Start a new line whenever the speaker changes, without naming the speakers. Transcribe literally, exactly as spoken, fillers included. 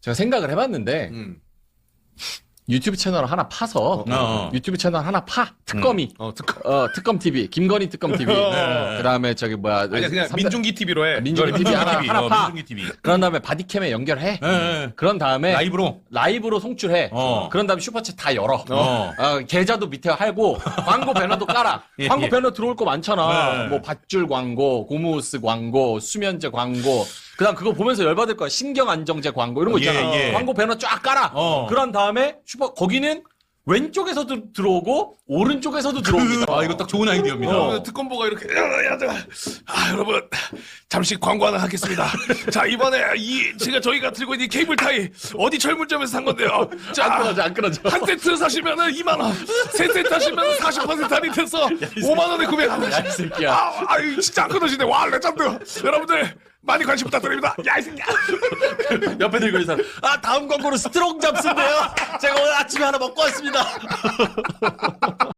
제가 생각을 해봤는데
음.
유튜브 채널 하나 파서
어.
유튜브 채널 하나 파 특검이
어, 특검.
어 특검 티비 김건희 특검 티비
네.
그다음에 저기 뭐야
아니 그냥
삼-
민중기 티비로 해.
민중기 티비 하나
티비,
하나
어,
파
민중기 티비.
그런 다음에 바디캠에 연결해
예, 예.
그런 다음에
라이브로.
라이브로 송출해
어.
그런 다음에 슈퍼챗 다 열어
어.
어, 계좌도 밑에 할고 광고 배너도 깔아
예,
광고
예.
배너 들어올 거 많잖아
네.
뭐 밧줄 광고 고무스 광고 수면제 광고 그다음 그거 보면서 열받을 거야 신경 안정제 광고 이런 거 있잖아
예, 예.
광고 배너 쫙 깔아
어.
그런 다음에 슈퍼 거기는 왼쪽에서도 들어오고 오른쪽에서도 들어옵니다.
아, 이거 딱 좋은 아이디어입니다.
어. 특검보가 이렇게 야, 야, 야, 아 여러분 잠시 광고 하나 하겠습니다. 자 이번에 이 제가 저희가 들고 있는 이 케이블 타이 어디 철물점에서 산 건데요.
안
자
끊어져 안 끊어져.
한 세트 사시면은 이만 원, 세 세트 하시면 사십 퍼센트 할인돼서 오만 원에 구매합니다.
야, 이 새끼야.
아, 아, 이거 진짜 안 끊어지네. 와, 레전드. 여러분들 많이 관심 부탁드립니다. 야, 이 새끼야.
옆에 들고 있는 사람. 아 다음 광고는 스트롱 잡스인데요. 제가 오늘 아침에 하나 먹고 왔습니다.